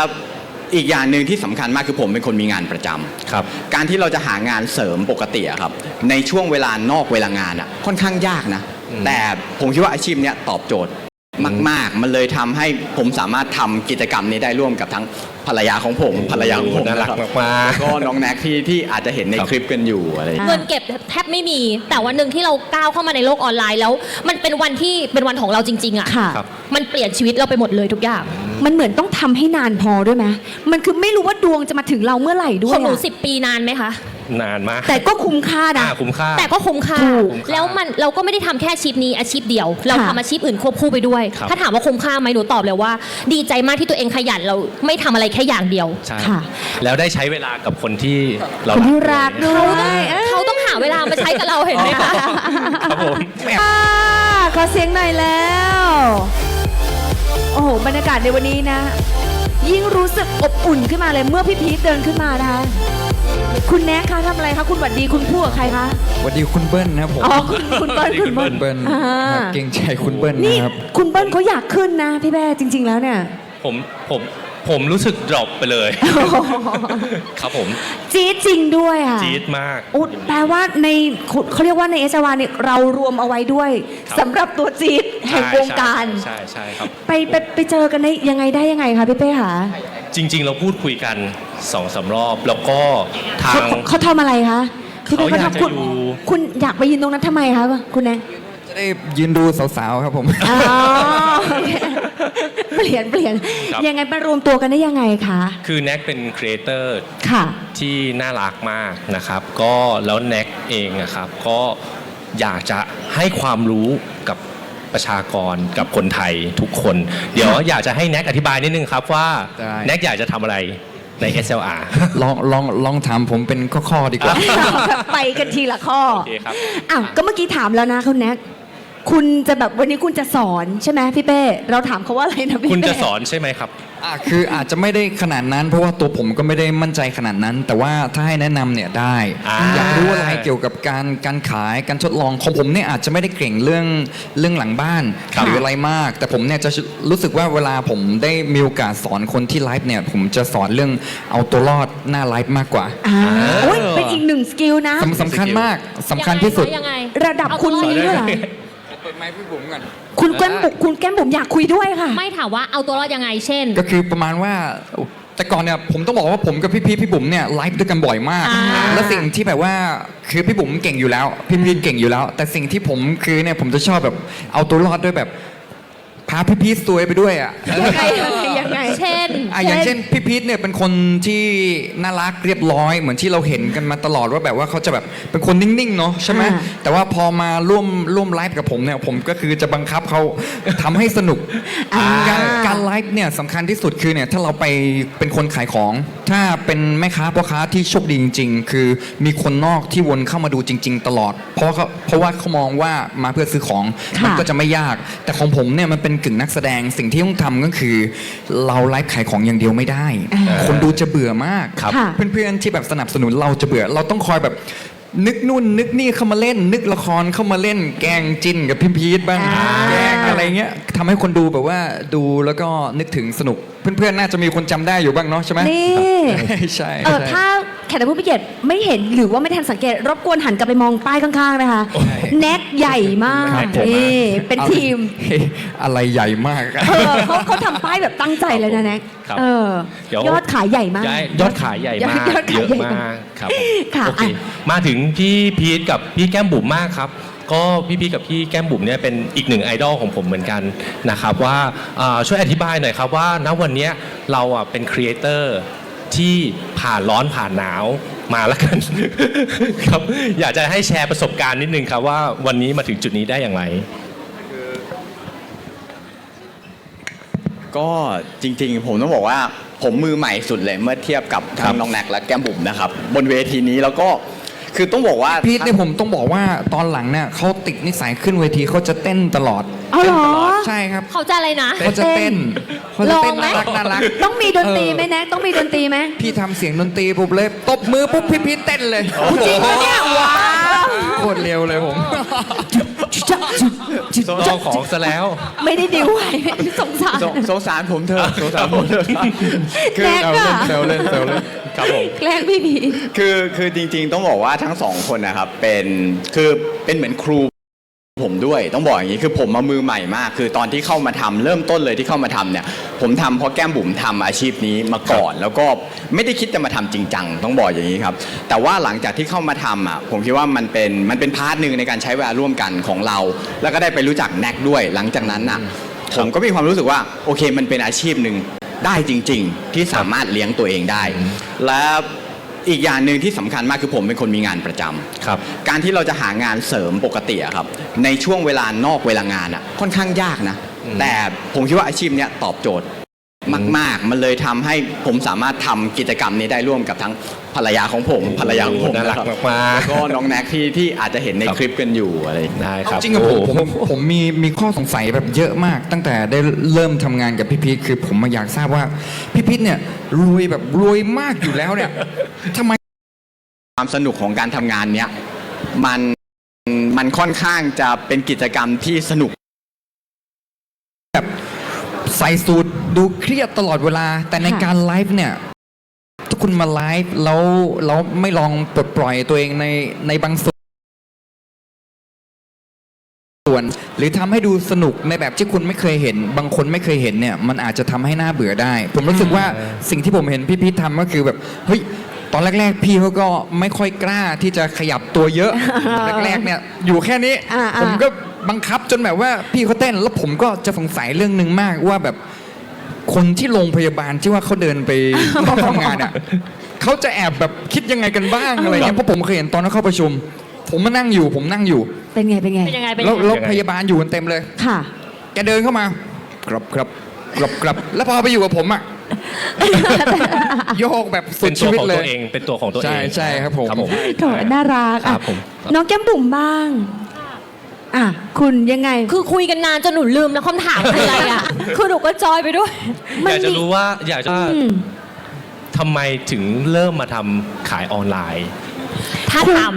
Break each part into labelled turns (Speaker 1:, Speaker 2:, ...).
Speaker 1: อีกอย่างหนึ่งที่สำคัญมากคือผมเป็นคนมีงานประจำ
Speaker 2: ครับ
Speaker 1: การที่เราจะหางานเสริมปกติอะครับในช่วงเวลานอกเวลางานอะค่อนข้างยากนะแต่ผมคิดว่าอาชีพเนี้ยตอบโจทย์มากๆมันเลยทำให้ผมสามารถทำกิจกรรมนี้ได้ร่วมกับทั้งภรรยาของผมภรรยาของผม
Speaker 2: น่ารัก
Speaker 1: นะครับ
Speaker 2: มากๆ
Speaker 1: แล้วก็น้องแน็กที่อาจจะเห็นในคลิปกันอยู่อะไรอย่างเงี้ย
Speaker 3: เงินเก็บแทบไม่มีแต่วันหนึ่งที่เราก้าวเข้ามาในโลกออนไลน์แล้ว มันเป็นวันที่เป็นวันของเราจริงๆอ่ะ
Speaker 4: ค่ะ
Speaker 3: มันเปลี่ยนชีวิตเราไปหมดเลยทุกอย่าง
Speaker 4: มันเหมือนต้องทำให้นานพอด้วยไหมมันคือไม่รู้ว่าดวงจะมาถึงเราเมื่อไหร่ด้ว
Speaker 3: ข
Speaker 4: ย
Speaker 3: องหนู
Speaker 4: อะ
Speaker 3: 10 ปีนานไหมคะ
Speaker 2: นานมาก
Speaker 4: แต่ก็คุ้มค่านะ
Speaker 2: คุ้มค่า
Speaker 3: แต่ก็คุ้มค่า
Speaker 4: ถูก
Speaker 3: แล้วเราก็ไม่ได้ทำแค่อาชีพนี้อาชีพเดียว เรา
Speaker 4: ค่ะ
Speaker 3: ทำอาชีพอื่นควบคู่ไปด้วย
Speaker 2: ครับ
Speaker 3: ถ้าถามว่าคุ้มค่าไหมหนูตอบเลยว่า ดีใจมากที่ตัวเองขยันเราไม่ทำอะไรแค่อย่างเดียว
Speaker 2: ใช่
Speaker 4: ค่ะ
Speaker 2: แล้วได้ใช้เวลากับคนที่เรา
Speaker 4: คนที่รักด้วย
Speaker 3: เขาต้องหาเวลามาใช้กับเราเห็นไหมคะ
Speaker 2: ครับผม
Speaker 4: ขอเสียงหน่อยแล้ว โอ้โหบรรยากาศในวันนี้นะ ยิ่งรู้สึกอบอุ่นขึ้นมาเลยเมื่อพี่พีทเดินขึ้นมานะคะ คุณแน็กคะทำอะไรคะคุณหวัดดีคุณพูดกับใครคะ
Speaker 5: สวัสดีคุณเบิ้ลนะครับผม
Speaker 4: อ๋อคุณเบิ้ลคุณเบิ้ล
Speaker 5: เบิ้ล
Speaker 4: อ่า
Speaker 5: ครับเก่งใจคุณเบิ้ล
Speaker 4: นี่
Speaker 5: นะครับ
Speaker 4: คุณเบิ้ลเขาอยากขึ้นนะพี่แบ้จริง ๆแล้วเนี่ย
Speaker 2: ผมรู้สึกดรอปไปเลย ครับผม
Speaker 4: จี๊ดจริงด้วยอ่ะ
Speaker 2: จี๊ดมาก
Speaker 4: อุ๊ยแปลว่าในเขาเรียกว่าในเอสวาเนี่ยเรารวมเอาไว้ด้วย
Speaker 2: ครับ
Speaker 4: สำหรับตัวจี๊ดแห่งวงการ
Speaker 2: ใช่ครับ
Speaker 4: ไปเจอกันได้ยังไงคะพี่เป้คะ
Speaker 2: จริง ๆ เราพูดคุยกัน2-3 รอบ แล้วก็ทาง
Speaker 4: เขาทำอะไรคะพี่เป้
Speaker 2: เขาอยากจะ
Speaker 4: คุณ
Speaker 2: อยู่
Speaker 4: คุณอยากไปยืนตรงนั้นทำไมคะคุณแน
Speaker 5: จะได้ยืนดูสาวๆครับผม
Speaker 4: อ๋อโอเคเปลี่ยน
Speaker 2: ครับ
Speaker 4: ยังไงมารวมตัวกันได้ยังไงคะ
Speaker 2: คือแน็กเป็นครีเอเตอร์
Speaker 4: ค่ะ
Speaker 2: ที่น่ารักมากนะครับ ก็แล้วแน็กเองนะครับ ก็อยากจะให้ความรู้กับประชากรกับคนไทยทุกคน เดี๋ยวอยากจะให้แน็กอธิบายนิดนึงครับว่า
Speaker 5: ได้
Speaker 2: แน็กอยากจะทำอะไรใน SLR
Speaker 5: ลองถามผมเป็นข้อๆดีกว่า
Speaker 4: ไปกันทีละข้อ
Speaker 2: โอเคครับ
Speaker 4: อ้าวก็เมื่อกี้ถามแล้วนะคุณแน็กคุณจะแบบวันนี้คุณจะสอนใช่ไหมพี่เป้เราถามเขาว่าอะไรนะพี่เป้
Speaker 2: คุณจะสอนใช่ไหมครับ
Speaker 5: คืออาจจะไม่ได้ขนาดนั้น เพราะว่าตัวผมก็ไม่ได้มั่นใจขนาดนั้น แต่ว่าถ้าให้แนะนำเนี่ยได้ อยากรู้อะไรเกี่ยวกับการขายการทดลองของผมเนี่ยอาจจะไม่ได้เก่งเรื่องหลังบ้าน
Speaker 2: ครับ
Speaker 5: หรืออะไรมาก แต่ผมเนี่ยจะรู้สึกว่าเวลาผมได้มีโอกาสสอนคนที่ไลฟ์เนี่ยผมจะสอนเรื่องเอาตัวรอดหน้าไลฟ์มากกว่า
Speaker 4: โอ้ยเป็นอีกหนึ่งสกิลนะ
Speaker 5: สำคัญมากสำคัญที่สุด
Speaker 3: ยังไง
Speaker 4: ระดับคุณมีด้วยเหรอ
Speaker 5: เปิดไมค์พี่บุ๋มก่อน
Speaker 4: คุณแก้มบุ๋มอยากคุยด้วยค่ะ
Speaker 3: ไม่ถามว่าเอาตัวรอดยังไง เช่น
Speaker 5: ก็คือประมาณว่าแต่ก่อนเนี่ยผมต้องบอกว่าผมกับพี่บุ๋มเนี่ยไลฟ์ด้วยกันบ่อยมาก และสิ่งที่แบบว่าคือพี่บุ๋มเก่งอยู่แล้วพี่พีทเก่งอยู่แล้ว แต่สิ่งที่ผมคือเนี่ยผมจะชอบแบบเอาตัวรอดด้วยแบบพาพี่พีทซวยไปด้วยอ่ะ
Speaker 4: ยังไง
Speaker 3: เช่น
Speaker 5: อย่างเช่นพี่พีทเนี่ยเป็นคนที่น่ารักเรียบร้อยเหมือนที่เราเห็นกันมาตลอดว่าแบบว่าเขาจะแบบเป็นคนนิ่งๆเนาะใช่ไหม
Speaker 4: อ่า
Speaker 5: แต่ว่าพอมาร่วมไลฟ์กับผมเนี่ยผมก็คือจะบังคับเขาทำให้สนุก การไลฟ์เนี่ยสำคัญที่สุดคือเนี่ยถ้าเราไปเป็นคนขายของ ถ้าเป็นแม่ค้าพ่อค้าที่โชคดีจริง ๆ คือมีคนนอกที่วนเข้ามาดูจริง ๆ ตลอด เพราะว่าเขามองว่ามาเพื่อซื้อของ
Speaker 4: ค่ะ
Speaker 5: มันก็จะไม่ยาก แต่ของผมเนี่ยมันเป็นกึ่งนักแสดงสิ่งที่ต้องทำก็คือ เราไลฟ์ขายของอย่างเดียวไม่ได้ คนดูจะเบื่อมาก
Speaker 2: ครับ
Speaker 4: ค่ะ
Speaker 5: เพื่อนๆที่แบบสนับสนุนเราจะเบื่อ เราต้องคอยแบบนึกนู่นนึกนี่เข้ามาเล่น นึกละครเข้ามาเล่น แกล้งจิ้นกับพี่พีทบ้างแกล้งอะไรเงี้ยทำให้คนดูแบบว่าดูแล้วก็นึกถึงสนุก เพื่อนๆน่าจะมีคนจำได้อยู่บ้างเนาะใช่ไหม
Speaker 4: นี่
Speaker 5: ใช่
Speaker 4: ถ้าแขกผู้มีเกียรติไม่เห็นหรือว่าไม่ทันสังเกต รบกวนหันกลับไปมองป้ายข้างๆนะคะ แน็กใหญ่มาก
Speaker 5: ครับผม
Speaker 4: นี่เป็นทีม
Speaker 5: เฮ้ยอะไรใหญ่มากอะ
Speaker 4: เขาทำป้ายแบบตั้งใจเลยนะแน็ก
Speaker 2: ครับ เดี๋ยว
Speaker 4: ยอดขายใหญ่มาก
Speaker 2: ยอดขายใหญ่มาก
Speaker 4: ยอดขาย
Speaker 2: เยอะ
Speaker 4: ใหญ่
Speaker 2: มากครับผม
Speaker 4: ค่ะ
Speaker 2: โอเค
Speaker 4: อ่ะ
Speaker 2: มาถึงพี่พีทกับพี่แก้มบุ๋มมากครับ ก็พี่พีทกับพี่แก้มบุ๋มเนี่ยเป็นอีกหนึ่งไอดอลของผมเหมือนกันนะครับว่าช่วยอธิบายหน่อยครับว่าณวันเนี้ยเราเป็นครีเอเตอร์ที่ผ่านร้อนผ่านหนาวมาแล้วกัน ครับอยากจะให้แชร์ประสบการณ์นิดนึงครับว่าวันนี้มาถึงจุดนี้ได้อย่างไร
Speaker 1: ก็จริงๆผมต้องบอกว่าผมมือใหม่สุดเลยเมื่อเทียบกับทั้งน้องแน็กและแก้มบุ๋มนะครับบนเวทีนี้แล้วก็คือต้องบอกว่า
Speaker 5: พีทเนี่ยผมต้องบอกว่าตอนหลังเนี่ยเขาติดนิสัยขึ้นเวทีเขาจะเต้นตลอด
Speaker 4: เอาเหรอ
Speaker 5: ใช่ครับ
Speaker 3: เขาจะอะไรนะ
Speaker 5: เขาจะเต้นเขาจะเต้น
Speaker 4: ลองไหม
Speaker 5: น่ารัก
Speaker 4: ต้องมีดนตรีไหมแน็กต้องมีดนตรีไหม
Speaker 5: พี่ทำเสียงดนตรีปุ๊บเลยตบมือปุ๊บพี่พีทเต้นเลย
Speaker 4: จริงปะเนี่ยว้าว
Speaker 5: โคตรเร็วเลยผม
Speaker 2: ต้องของซะแล้ว
Speaker 4: ไม่ได้ดิวไว้สงสาร
Speaker 1: สงสารผมเถอะสงสารผมเถอะคือ
Speaker 4: แน็กอะ
Speaker 1: เซลเล่น
Speaker 2: ครับผม
Speaker 4: แกล้งพี่พีท
Speaker 1: คือจริงๆต้องบอกว่าทั้งสองคนนะครับเป็นเหมือนครูผมด้วยต้องบอกอย่างนี้คือผมมามือใหม่มากคือตอนที่เข้ามาทำเริ่มต้นเลยที่เข้ามาทำเนี่ยผมทำเพราะแก้มบุ๋มทำอาชีพนี้มาก่อน แล้วก็ไม่ได้คิดจะมาทำจริงจังต้องบอกอย่างนี้ครับแต่ว่าหลังจากที่เข้ามาทำอ่ะผมคิดว่ามันเป็นพาร์ทหนึ่งในการใช้เวลาร่วมกันของเรา แล้วก็ได้ไปรู้จักแน็กด้วย หลังจากนั้นอ่ะผมก็มีความรู้สึกว่าโอเคมันเป็นอาชีพหนึ่งได้จริง ๆ ที่สามารถเลี้ยงตัวเองได้ และอีกอย่างหนึ่งที่สำคัญมากคือผมเป็นคนมีงานประจำ
Speaker 2: ครับ
Speaker 1: การที่เราจะหางานเสริมปกติอะครับในช่วงเวลานอกเวลางานอะค่อนข้างยากนะแต่ผมคิดว่าอาชีพเนี้ยตอบโจทย์มากๆมันเลยทำให้ผมสามารถทำกิจกรรมนี้ได้ร่วมกับทั้งภรรยาของผม
Speaker 2: น่ารัก
Speaker 1: นะครับ
Speaker 2: มากๆ
Speaker 1: แล้วก็น้องแน็กที่อาจจะเห็นในคลิปกันอยู่อะไร
Speaker 2: ได้ครับ
Speaker 5: จริงกับผมมีข้อสงสัยแบบเยอะมาก ตั้งแต่ได้เริ่มทำงานกับพี่พีทคือผมมาอยากทราบว่าพี่พีทเนี่ยรวยแบบรวยมากอยู่แล้วเนี่ยทำไม
Speaker 1: ความสนุกของการทำงานเนี้ยมันค่อนข้างจะเป็นกิจกรรมที่สนุก
Speaker 5: แบบใส่สูตรดูเครียดตลอดเวลา แต่ในการไลฟ์เนี่ยถ้าคุณมาไลฟ์แล้วไม่ลองปลดปล่อยตัวเองในบางส่วน หรือทำให้ดูสนุกในแบบที่คุณไม่เคยเห็น บางคนไม่เคยเห็นเนี่ยมันอาจจะทำให้หน้าเบื่อได้ ผมรู้สึกว่าสิ่งที่ผมเห็นพี่พีททำก็คือแบบเฮ้ยตอนแรกๆพี่เขาก็ไม่ค่อยกล้าที่จะขยับตัวเยอะ แรกๆเนี่ยอยู่แค่นี้ ผมก็บังคับจนแบบว่าพี่เขาเต้นแล้วผมก็จะสงสัยเรื่องหนึ่งมากว่าแบบคนที่โรงพยาบาลที่ว่าเขาเดินไป ทำงานอ่ะเขาจะแอบแบบคิดยังไงกันบ้างอะไรเงี้ยเพราะผมเคยเห็นตอนเขาเข้าประชุม ผมนั่งอยู่
Speaker 4: เป็นไง
Speaker 3: เป็นยังไงเป็น
Speaker 5: แล้ว
Speaker 3: ยังไง
Speaker 5: แล้วพยาบาลอยู่กันเต็มเลย
Speaker 4: ค่ะ
Speaker 5: แกเดินเข้ามากรับแล้วพอไปอยู่กับผมอ่ะ โยกแบบสุ
Speaker 2: เป็
Speaker 5: ด
Speaker 2: นตั
Speaker 5: ชี
Speaker 2: ว
Speaker 5: วิต
Speaker 2: ของ
Speaker 5: เล
Speaker 2: ตัวย เองเป็นตัวของตัวเอง
Speaker 5: ใช่ครับผม
Speaker 2: ครับผม
Speaker 4: โถน่ารัก
Speaker 2: ค
Speaker 4: อ่ะ
Speaker 2: รับผม
Speaker 4: น้องแก้มบุ๋มบ้างอ่ะคุณยังไง
Speaker 3: คือคุยกันนานจนหนูลืมแล้วคำถามคืออะไรอ่ะ คือหนูก็จอยไปด้วย
Speaker 2: อยากจะรู้ว่าทำไมถึงเริ่มมาทำขายออนไลน์
Speaker 3: ถ้าถาม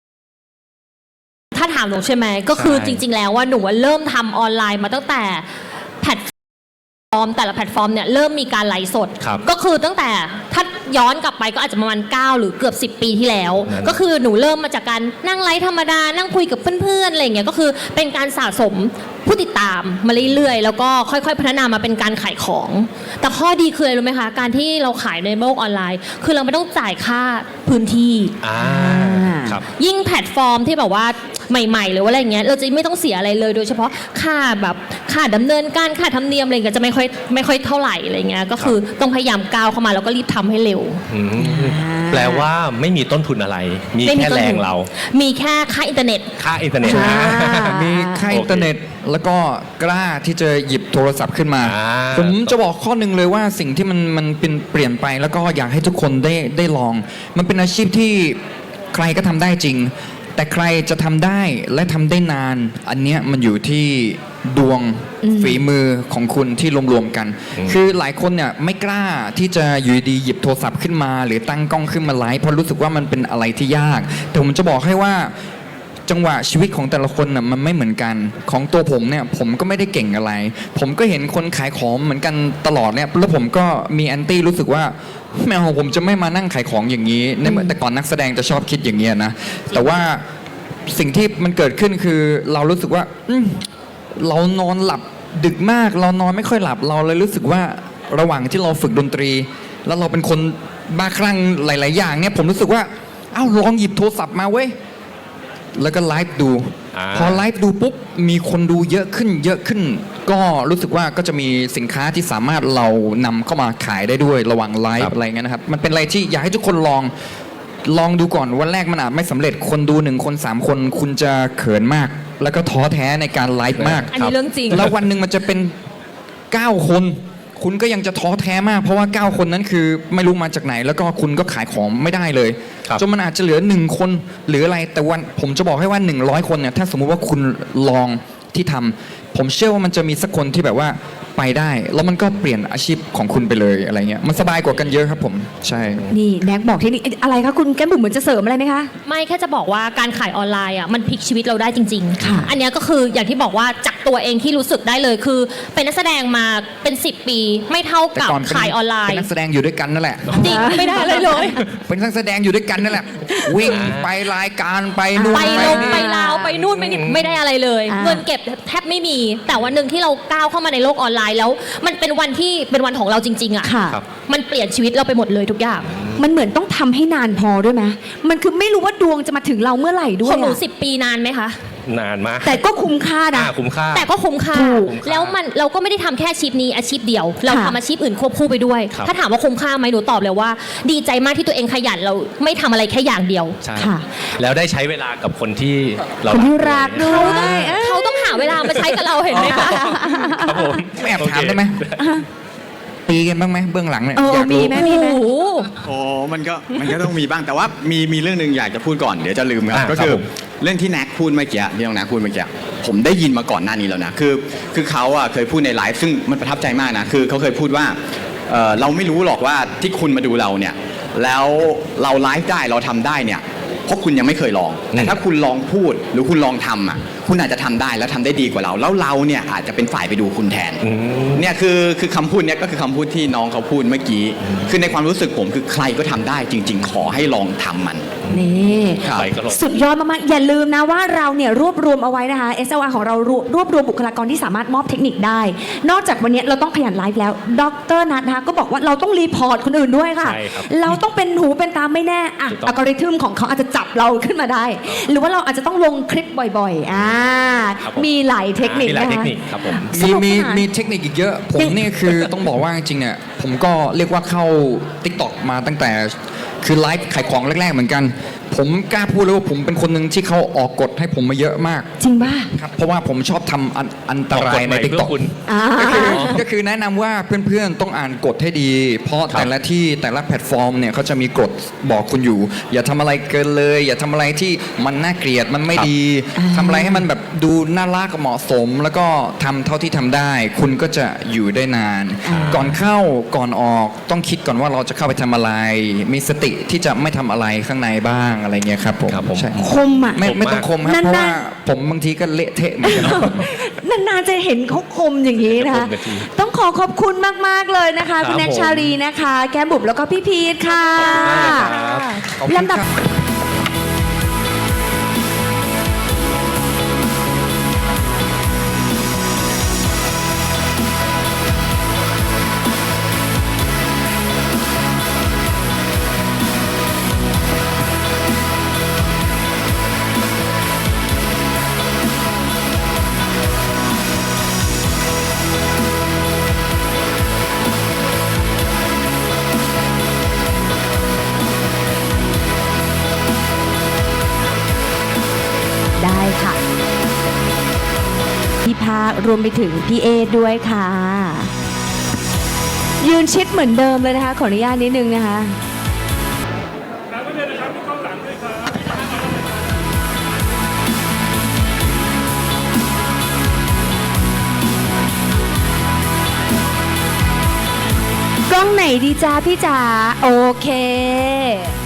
Speaker 3: หนูใช่ไหมก็คือ
Speaker 2: ใช่
Speaker 3: จริง ๆ แล้วว่าหนูว่าเริ่มทำออนไลน์มาตั้งแต่แพลตฟอร์มแต่ละแพลตฟอร์มเนี่ยเริ่มมีการไลฟ์สด
Speaker 2: ครับ
Speaker 3: ก็คือตั้งแต่ถ้าย้อนกลับไปก็อาจจะประมาณ9หรือเกือบ10 ปีที่แล้ว
Speaker 2: นั่น
Speaker 3: ก็คือหนูเริ่มมาจากการนั่งไลฟ์ธรรมดานั่งคุยกับเพื่อนๆอะไรอย่างเงี้ยก็คือเป็นการสะสมผู้ติดตามมาเรื่อยๆแล้วก็ค่อยๆพัฒนามาเป็นการขายของ แต่ข้อดีคืออะไรรู้ไหมคะการที่เราขายในโลกออนไลน์ คือเราไม่ต้องจ่ายค่าพื้นที่
Speaker 2: ครับ
Speaker 3: ยิ่งแพลตฟอร์มที่แบบว่าใหม่ๆหรือว่าอะไรเงี้ยเราจะไม่ต้องเสียอะไรเลยโดยเฉพาะค่าดำเนินการค่าธรรมเนียมอะไรเงี้ยจะไม่ค่อยเท่าไหร่อะไรเงี้ยก็คือต้องพยายามก้าวเข้ามาแล้วก็รีบทำให้เร็ว
Speaker 2: แปลว่าไม่มีต้นทุนอะไร มี
Speaker 3: ไม่
Speaker 2: แค่
Speaker 3: ต้น
Speaker 2: แร
Speaker 3: ทุ
Speaker 2: ง
Speaker 3: น
Speaker 2: เรา
Speaker 3: มีแค่ค่าอินเทอร์เน็ต
Speaker 2: ค่าอินเทอร์เน็ต
Speaker 5: มีค่าอินเทอร์เน็ตแล้วก็กล้าที่จะหยิบโทรศัพท์ขึ้นมา
Speaker 2: อ่า
Speaker 5: ผมจะบอกข้อหนึ่งเลยว่าสิ่งที่มันเป็นเปลี่ยนไปแล้วก็อยากให้ทุกคนได้ลอง มันเป็นอาชีพที่ใครก็ทำได้จริง แต่ใครจะทำได้และทำได้นาน อันเนี้ยมันอยู่ที่ดวงฝีมือของคุณที่รวมๆกัน คือหลายคนเนี่ยไม่กล้าที่จะอยู่ดีหยิบโทรศัพท์ขึ้นมา หรือตั้งกล้องขึ้นมาไลฟ์เพราะรู้สึกว่ามันเป็นอะไรที่ยาก แต่ผมจะบอกให้ว่า จังหวะชีวิตของแต่ละคนน่ะมันไม่เหมือนกันของตัวผมเนี่ยผมก็ไม่ได้เก่งอะไร ผมก็เห็นคนขายของเหมือนกันตลอดเนี่ยแล้วผมก็มีแอนตี้รู้สึกว่าแมวผมจะไม่มานั่งขายของอย่างนี้ในเมื่อแต่ก่อนนักแสดงจะชอบคิดอย่างเงี้ยนะแต่ว่าสิ่งที่มันเกิดขึ้นคือเรารู้สึกว่าเรานอนหลับดึกมากเรานอนไม่ค่อยหลับเราเลยรู้สึกว่าระหว่างที่เราฝึกดนตรี แล้วเราเป็นคนบ้าคลั่งหลาย ๆ อย่างเนี่ยผมรู้สึกว่าเอ้าลองหยิบโทรศัพท์มาเว้ยแล้วก็ไลฟ์ดู พอไลฟ์ดูปุ๊บมีคนดูเยอะขึ้น ก็รู้สึกว่าก็จะมีสินค้าที่สามารถเรานำเข้ามาขายได้ด้วยระหว่างไลฟ์อะไรเงี้ยนะครับมันเป็นอะไรที่อยากให้ทุกคนลองดูก่อนวันแรกมันอาจไม่สำเร็จคนดู1 คน 3 คนคุณจะเขินมาก แล้วก็ท้อแท้ในการไลฟ์มาก
Speaker 3: อันนี้เรื่องจริง
Speaker 5: แล้ววันหนึ่งมันจะเป็น9 คนคุณก็ยังจะท้อแท้มากเพราะว่า9 คนนั้นคือไม่รู้มาจากไหน แล้วก็คุณก็ขายของไม่ได้เลย
Speaker 2: ครับ
Speaker 5: จนมันอาจจะเหลือ1 คนหรืออะไรแต่วันผมจะบอกให้ว่า100 คนเนี่ยถ้าสมมุติว่าคุณลองที่ทำผมเชื่อว่ามันจะมีสักคนที่แบบว่าไปได้ แล้วมันก็เปลี่ยนอาชีพของคุณไปเลยอะไรเงี้ยมันสบายกว่ากันเยอะครับผมใช่
Speaker 4: นี่แน็กบอกเทคนิคอะไรคะคุณแก้มบุ๋มเหมือนจะเสริมอะไรไหมคะ
Speaker 3: ไม่แค่จะบอกว่าการขายออนไลน์อ่ะมันพลิกชีวิตเราได้จริง
Speaker 4: ค่ะ
Speaker 3: อันเนี้ยก็คืออย่างที่บอกว่าจากตัวเองที่รู้สึกได้เลยคือ เป็นนักแสดงมาเป็น 10 ปีไม่เท่า
Speaker 5: แต่
Speaker 3: กับ
Speaker 5: ก่อนเป็น
Speaker 3: ขายออนไล
Speaker 5: เป็น
Speaker 3: น์
Speaker 5: นักแสดงอยู่ด้วยกันนั่นแหละ
Speaker 3: จริงไม่ได้เลยเลย
Speaker 5: เป็นนักแสดงอยู่ด้วยกันนั่นแหละ วิ่งไปรายการไปนู่น
Speaker 3: ไปลง
Speaker 5: นี่
Speaker 3: ไปลาวไปนู่นไปนี่ไม่ได้อะไรเลย
Speaker 4: อ่า
Speaker 3: เงินเก็บแทบไม่มี แต่วันหนึ่งที่เราก้าวเข้ามาในโลกออนไลน์แล้ว มันเป็นวันที่เป็นวันของเราจริง ๆอ่ะ
Speaker 4: ค่ะ
Speaker 2: ครับ
Speaker 3: มันเปลี่ยนชีวิตเราไปหมดเลยทุกอย่าง
Speaker 4: มันเหมือนต้องทำให้นานพอด้วยไหมมันคือไม่รู้ว่าดวงจะมาถึงเราเมื่อไหร่ด้ว
Speaker 3: ข
Speaker 4: ย
Speaker 3: องหนู
Speaker 4: อะ
Speaker 3: 10 ปีนานไหมคะ
Speaker 2: นานมาก
Speaker 4: แต่ก็คุ้มค่านะ
Speaker 2: คุ้มค่า
Speaker 3: แต่ก็คุ้มค่า
Speaker 4: ถูก
Speaker 3: แล้วมันเราก็ไม่ได้ทำแค่อาชีพนี้อาชีพเดียว เรา
Speaker 4: ค่ะ
Speaker 3: ทำอาชีพอื่นควบคู่ไปด้วย
Speaker 2: ครับ
Speaker 3: ถ้าถามว่าคุ้มค่าไหมหนูตอบเลยว่า ดีใจมากที่ตัวเองขยันเราไม่ทำอะไรแค่อย่างเดียว
Speaker 2: ใช่
Speaker 4: ค่ะ
Speaker 2: แล้วได้ใช้เวลากับคนที่เรา
Speaker 4: คนที่รักด้วย
Speaker 3: เขาต้องหาเวลามาใช้กับเราเห็นไหมคะ
Speaker 2: ครับผม
Speaker 5: แอบถามได้ไหมตีกันบ้างไหมเบื้องหลังเนี่ย
Speaker 4: เออ
Speaker 5: อยาก
Speaker 4: มี
Speaker 5: รู้
Speaker 4: ไหม
Speaker 3: โอ้โห
Speaker 1: โอ้มันก็ต้องมีบ้างแต่ว่ามีเรื่องหนึ่งอยากจะพูดก่อนเดี๋ยวจะลืมครับ
Speaker 2: อ่า
Speaker 1: ก็คือ
Speaker 2: ครับผม
Speaker 1: เรื่องที่แน็กพูดเมื่อกี้ที่น้องแน็กพูดเมื่อกี้ผมได้ยินมาก่อนหน้านี้แล้วนะคือเขาอะเคยพูดในไลฟ์ซึ่งมันประทับใจมากนะคือเขาเคยพูดว่าเราไม่รู้หรอกว่าที่คุณมาดูเราเนี่ยแล้วเราไลฟ์ได้เราทำได้เนี่ยเพราะคุณยังไม่เคยลองแต่ถ้าคุณลองพูดหรือคุณลองทำอะคุณอาจจะทำได้แล้วทำได้ดีกว่าเราแล้วเราเนี่ยอาจจะเป็นฝ่ายไปดูคุณแทน เนี่ยคือคำพูดเนี่ยก็คือคำพูดที่น้องเขาพูดเมื่อกี้ คือในความรู้สึกผมคือใครก็ทำได้จริง ๆ ขอให้ลองทำมัน
Speaker 4: นี่
Speaker 1: ครับ
Speaker 2: ไปก็ลง
Speaker 4: สุดยอดมากๆอย่าลืมนะว่าเราเนี่ยรวบรวมเอาไว้นะคะ SLR ของเรารวบรวมบุคลากรที่สามารถมอบเทคนิคได้ นอกจากวันนี้เราต้องขยันไลฟ์แล้วดรนัทนะคะก็บอกว่าเราต้องรีพอร์ตคนอื่นด้วยค่ะ
Speaker 2: ใช่ครับ
Speaker 4: เราต้องเป็นหูเป็นตาไม่แน่อะ
Speaker 2: ถูกต้อง
Speaker 4: อัลกอริทึมของเขาอาจจะจับเราขึ้นมาได้ หรือว่าเราอาจจะต้องลงคลิปบ่อยๆ
Speaker 2: ครับผม
Speaker 4: มีหลายเทคนิค
Speaker 2: มีหลาย
Speaker 4: นะ
Speaker 2: เทค
Speaker 4: คะ
Speaker 2: นิคครับผม
Speaker 4: สนุกสนาน
Speaker 5: มีเทคนิคอีกเยอะ ผมเนี่ยคือต้องบอกว่าจริงๆเนี่ยผมก็เรียกว่าเข้า TikTok มาตั้งแต่คือไลฟ์ขายของแรกๆเหมือนกัน ผมกล้าพูดเลยว่าผมเป็นคนหนึ่งที่เขาออกกฎให้ผมมาเยอะมาก
Speaker 4: จริงป่ะ
Speaker 5: ครับเพราะว่าผมชอบทำอันตรายใน
Speaker 2: เพื่อ
Speaker 5: TikTok
Speaker 2: คุณ
Speaker 4: อ่า
Speaker 5: ก็คือแนะนำว่าเพื่อนๆ ต้องอ่านกฎให้ดี เพราะ
Speaker 2: ครับ
Speaker 5: แต่ละที่แต่ละแพลตฟอร์มเนี่ยเขาจะมีกฎบอกคุณอยู่ อย่าทำอะไรเกินเลย อย่าทำอะไรที่มันน่าเกลียดมันไม่ดีทำอะไรให้มันแบบดูน่ารักเหมาะสม แล้วก็ทำเท่าที่ทำได้ คุณก็จะอยู่ได้นาน ก่อนเข้าก่อนออกต้องคิดก่อนว่าเราจะเข้าไปทำอะไร มีสติที่จะไม่ทำอะไรข้างในบ้างอะไรเงี้ยครับผม
Speaker 2: ครับผม
Speaker 5: ใช่
Speaker 4: คมอ่ะ
Speaker 5: ไม่ต้องคมครับ
Speaker 4: นานๆ
Speaker 5: เพราะว่าผมบางทีก็เละเทะเหมือนกันครับ
Speaker 4: นานๆจะเห็นเขาคมอย่างนี้นะคะ
Speaker 2: คมนาที
Speaker 4: ต้องขอบคุณมากๆเลยนะคะ
Speaker 2: ครับ
Speaker 4: คุณแน็ก
Speaker 2: ผม
Speaker 4: ชาลีนะคะ แก้มบุ๋มแล้วก็พี่พีทค่ะ
Speaker 5: ขอบคุณ
Speaker 4: ลำดับ
Speaker 5: ครับ
Speaker 4: ได้ค่ะ พี่ภาครวมไปถึงพี่เอด้วยค่ะ ยืนชิดเหมือนเดิมเลยนะคะ ขออนุญาตนิดนึงนะคะ กล้องไหนดีจ้าพี่จ๋าโอเค